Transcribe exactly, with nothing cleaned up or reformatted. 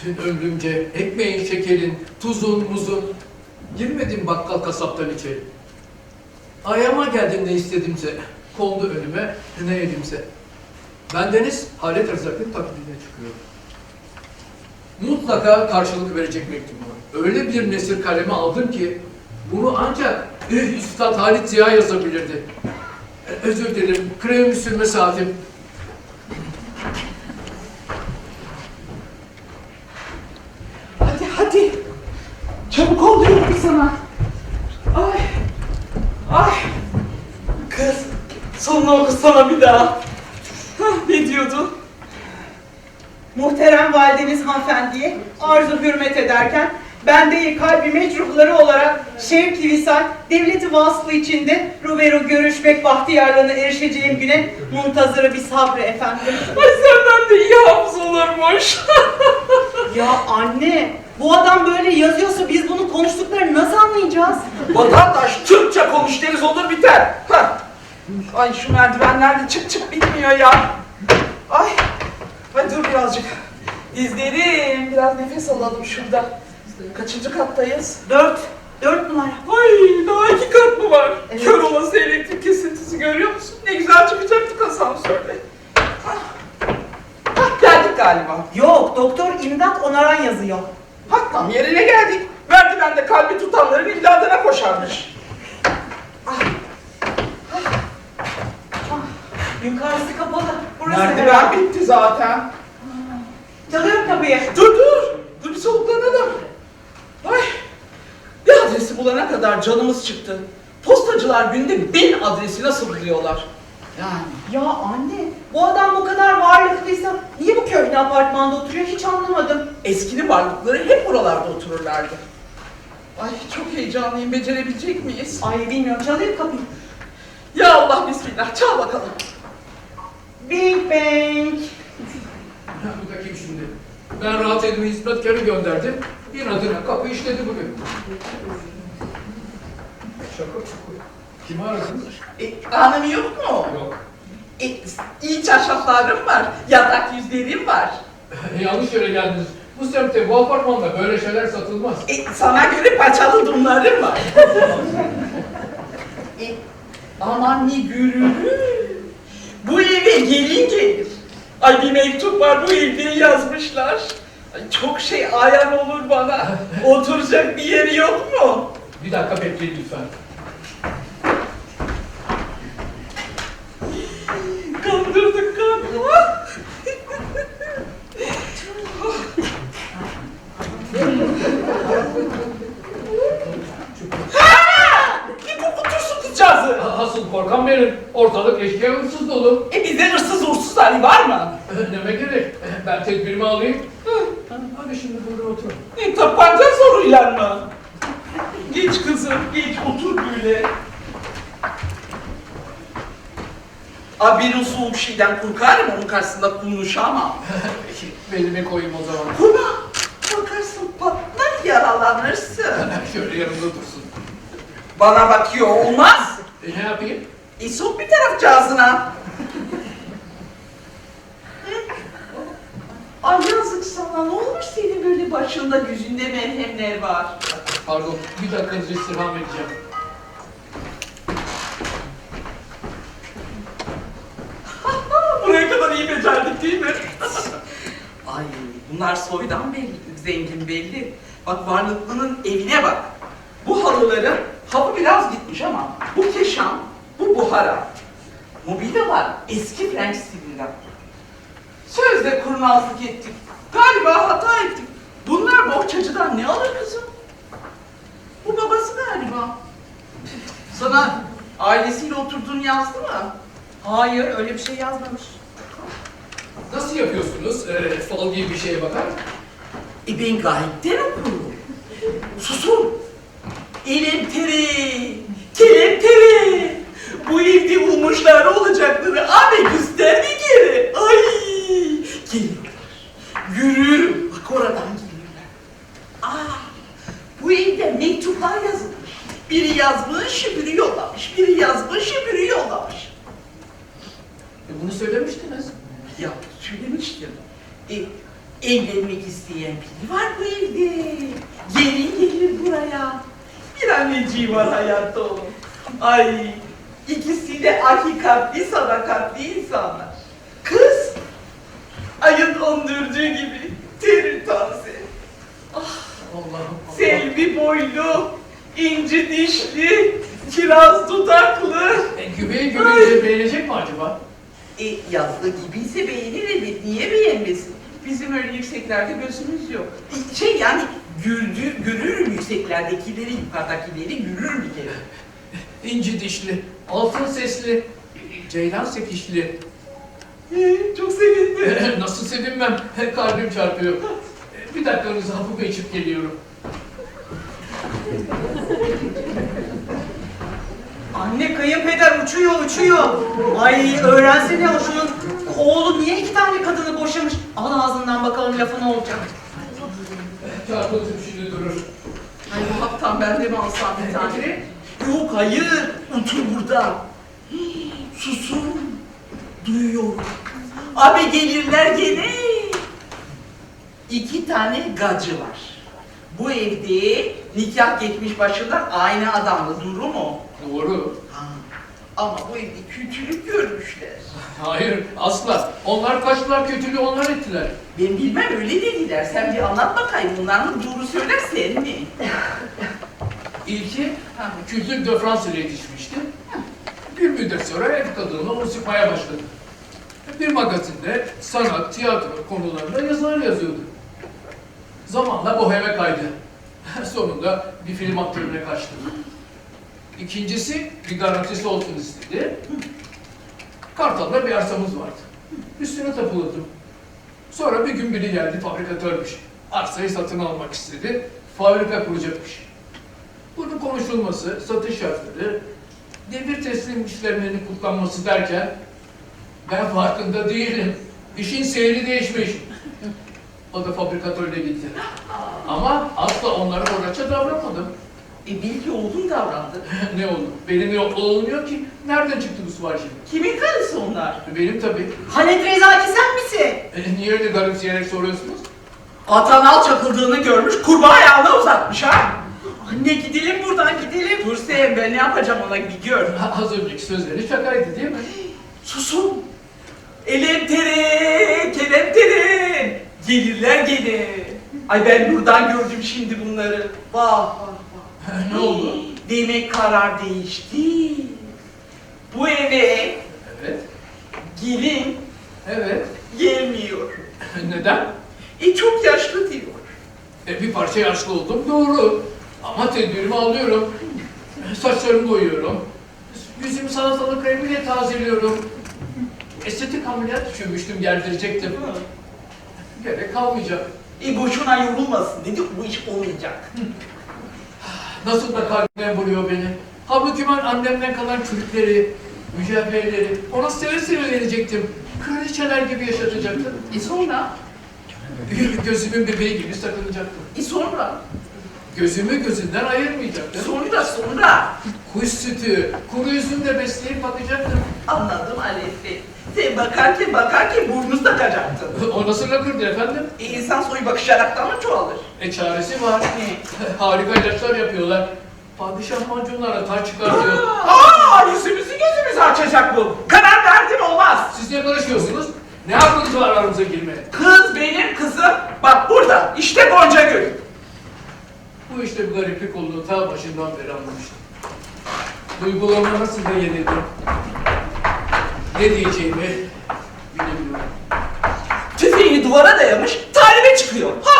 Bütün ömrümce ekmeğin, şekerin, tuzun, muzun, girmedim bakkal kasaptan içeri. Ayağıma geldim ne istedimse, kondu önüme ne yedimse. Bendeniz Halet Rızak'ın taklidine çıkıyorum. Mutlaka karşılık verecek mektubum var. Öyle bir nesir kaleme aldım ki, bunu ancak eh, Üstad Halit Ziya yazabilirdi. E, özür dilerim, kremimi sürme saatim. Hadi hadi. Çabuk ol diyorum sana. Ay. Ay. Kız. Sonunu okusana bir daha. Hah, ne diyordu? Muhterem validemiz hanımefendiye arzu hürmet ederken ben de kalbi mecruhları olarak şevk-i visal, devleti vaslı içinde ruberu görüşmek bahtiyarlığına erişeceğim güne muntazırı bir sabrı efendim. Ay senden de iyi hafız olurmuş. Ya anne, bu adam böyle yazıyorsa biz bunun konuştuklarını nasıl anlayacağız? Vatandaş Türkçe konuş deriz olur biter. Hah. Ay şu merdivenlerde çık çık bitmiyor ya. Ay. Hadi dur birazcık. Dizlerim. Biraz nefes alalım şurada. Kaçıncı kattayız? Dört, dört numara. Ay daha iki kat mı var? Evet. Kör olası elektrik kesintisi görüyor musun? Ne güzel çıkacaktık asansörde. Hah. Hah, geldik galiba. Yok, doktor imdat onaran yazıyor. Hah, tam yerine geldik. Merdivende kalbi tutanların imdadına koşarmış. Ah. Yukarısı kapalı. Burası Merdiven herhalde. bitti zaten. Çalıyorum kapıyı. Dur dur. Dur bir soluklanalım. Ay. Bir adresi bulana kadar canımız çıktı. Postacılar günde bin adresi nasıl buluyorlar? Yani. Ya anne, bu adam bu kadar varlıklıysa niye bu köhne apartmanda oturuyor hiç anlamadım. Eskinin varlıkları hep buralarda otururlardı. Ay çok heyecanlıyım. Becerebilecek miyiz? Ay bilmiyorum, çalayım kapıyı. Ya Allah bismillah. Çal bakalım. Bing bang. Ya bu da kim şimdi? Ben rahat edime hizmetkarı gönderdim. İnadına kapı işledi bugün. Şaka şaka. Kimi aradınız? E, anlamı yok mu? Yok. E, iyi çarşaflarım var. Yatak yüzlerim var. Yanlış yere geldiniz. Bu semtte, bu apartmanda böyle şeyler satılmaz. E, sana göre paçalı dumlarım var. e, aman ne gürülü. Bu eve gelin gelir. Ay bir mektup var bu evde yazmışlar. Ay, çok şey ayan olur bana. Oturacak bir yeri yok mu? Bir dakika bekleyin lütfen. Kandırdık kandırdık. Ha! Bir kokutursun kızcağızı. Asıl korkan benim. Ortalık eşkıya hırsız dolu. E bizde hırsız uğursuz hali var mı? Neme gerek? Ben tedbirimi alayım. Hadi şimdi burada otur. E tapanca soruyla mı? Geç kızım, geç otur böyle. Abi bir soğuk bir şeyden korkarım, onun karşısında konuşamam. Belime koyayım o zaman. Buna bakarsın patlar yaralanırsın. Şöyle yanımda dursun. Bana bakıyor olmaz. E, ne yapayım? E sok bir tarafcağızına. Ay yazık sana, ne olur senin böyle başında yüzünde merhemler var. Pardon, bir dakikanızı istirham edeceğim. Buraya kadar iyi becerdik değil mi? Ay bunlar soydan belli, zengin belli. Bak varlıklının evine bak. Bu halıların hava biraz gitmiş ama bu keşan, bu buhara. Mobilyalar eski French stilinden. Sözde kurnazlık ettik. Galiba hata ettik. Bunlar bohçacıdan ne alır kızım? Bu babası galiba. Sana ailesiyle oturduğunu yazdı mı? Hayır, öyle bir şey yazmamış. Nasıl yapıyorsunuz? E, fal gibi bir şeye bakar. E ben gayetten okurum. Susun. Elemteri, kelepteri. Bu evde bulmuşlar olacakları abi göster bir kere. Ay geliyorlar. Yürürüm. Bak oradan geliyorlar. Aa, bu evde mektuplar yazılmış. Biri yazmış, biri yollamış. Biri yazmış, biri yollamış. E, bunu söylemiştiniz. Ya söylemiştim. E, Evlenmek isteyen biri var bu evde. Gelin gelir buraya. Bir anneciği var hayatta onun. Ay, ikisi de hakikatli, sadakatli insanlar. Kız, ayın ondurduğu gibi terir taze. Ah, Allah'ım. Allah. selvi boylu, inci dişli, kiraz dudaklı. E, güveyi görünce beğenecek mi acaba? E, yazdığı gibiyse beğenir elbet, niye beğenmesin? Bizim öyle yükseklerde gözümüz yok. E, şey yani, güldü, görürüm yükseklerdekileri, yukarıdakileri görürüm bir kere. İnci dişli, altın sesli, ceylan sekişli. E, çok sevindim. Nasıl sevinmem, kalbim çarpıyor. E, Bir dakikanızı hafif içip geliyorum. Anne kayınpeder uçuyor uçuyor. Ay öğrensene o şunun oğlu niye iki tane kadını boşamış? Al ağzından bakalım lafı ne olacak. Çarpıntım şimdi durur. Ay bu haftan ben de mi alsam bir tane? Yok hayır, otur burada. Hii, susun, duyuyorum. Abi gelirler gene. İki tane gacı var. Bu evde nikah geçmiş başından aynı adamla durum o. Doğru. Ha, ama bu evde kötülük görmüşler. Hayır, asla. Onlar kaçtılar, kötülüğü onlar ettiler. Ben bilmem öyle dediler. Sen bir anlat bakayım. Bunların doğru söylersen mi? İlki Kültür de Fransa'ya yetişmişti. Bir müddet sonra ev kadınla onu sıkmaya başladı. Bir magazinde sanat, tiyatro konularında yazılar yazıyordu. Zamanla boheme kaydı. Sonunda bir film aktörüne kaçtı. İkincisi bir garantisi olsun istedi. Kartal'da bir arsamız vardı. Üstüne tapuladım. Sonra bir gün biri geldi, fabrikatörmüş. Arsayı satın almak istedi, fabrika kuracakmış. Bunun konuşulması, satış şartları, devir teslim işlemlerinin kutlanması derken ben farkında değilim. İşin seyri değişmiş. O da fabrikatörle gitti. Ama asla onlara horaça davranmadım. E bil ki oğlun davrandı. Ne oldu? Benim yok olmuyor ki. Nereden çıktı bu sipariş şimdi? Kimin karısı onlar? Benim tabii. Halet Rezaki sen misin? E, niye öyle garipseyerek soruyorsunuz? Atanal çakıldığını görmüş, kurbağa ayağına uzatmış ha. Anne gidelim buradan gidelim. Dur Sevim, ben ne yapacağım ona bir gör. Ha, az önceki sözleri şakaydı değil mi? Susun. Elem tere, kelem tere. Gelirler gene. Ay ben buradan gördüm şimdi bunları. Vah vah vah. Ne oldu? Demek karar değişti. Bu eve Evet. gelin Evet. gelmiyor. Neden? E çok yaşlı diyor. E, bir parça yaşlı oldum doğru. Ama tedbirimi alıyorum. Saçlarımı boyuyorum. Yüzümü salatalık kremiyle tazeliyorum. Estetik ameliyat düşünmüştüm, gerdirecektim. Gerek kalmayacak. E boşuna yorulmasın dedi, bu iş olmayacak. Nasıl da kalbime vuruyor beni. Halbuki ben annemden kalan çürükleri, mücevherleri ona seve seve verecektim. Kraliçeler gibi yaşatacaktım. E sonra? Gözümün bebeği gibi sakınacaktım. E sonra? Gözümü gözünden ayırmayacaktım. Sonra sonra. Kuş sütü, kuru üzümle besleyip bakacaktım. Anladım Alef Bey. Sen bakarken bakarken burnunu takacaktın. O nasıl lakırdı efendim? E insan soyu bakışaraktan mı çoğalır? E çaresi var. Ne? Harika ilaçlar yapıyorlar. Padişah macunlara taş çıkartıyor. Aa, yüzümüzü gözümüzü açacak bu. Karar verdim olmaz. Siz ne karışıyorsunuz? Ne hakkınız var aramıza girmeye? Kız benim kızım. Bak burada. İşte Gonca Gül. Bu işte bir gariplik olduğunu ta başından beri anlamıştım. Duygularıma nasıl da yenildim. Ne diyeceğimi bilemiyorum. Tüfeğini duvara dayamış, talibe çıkıyor. Ha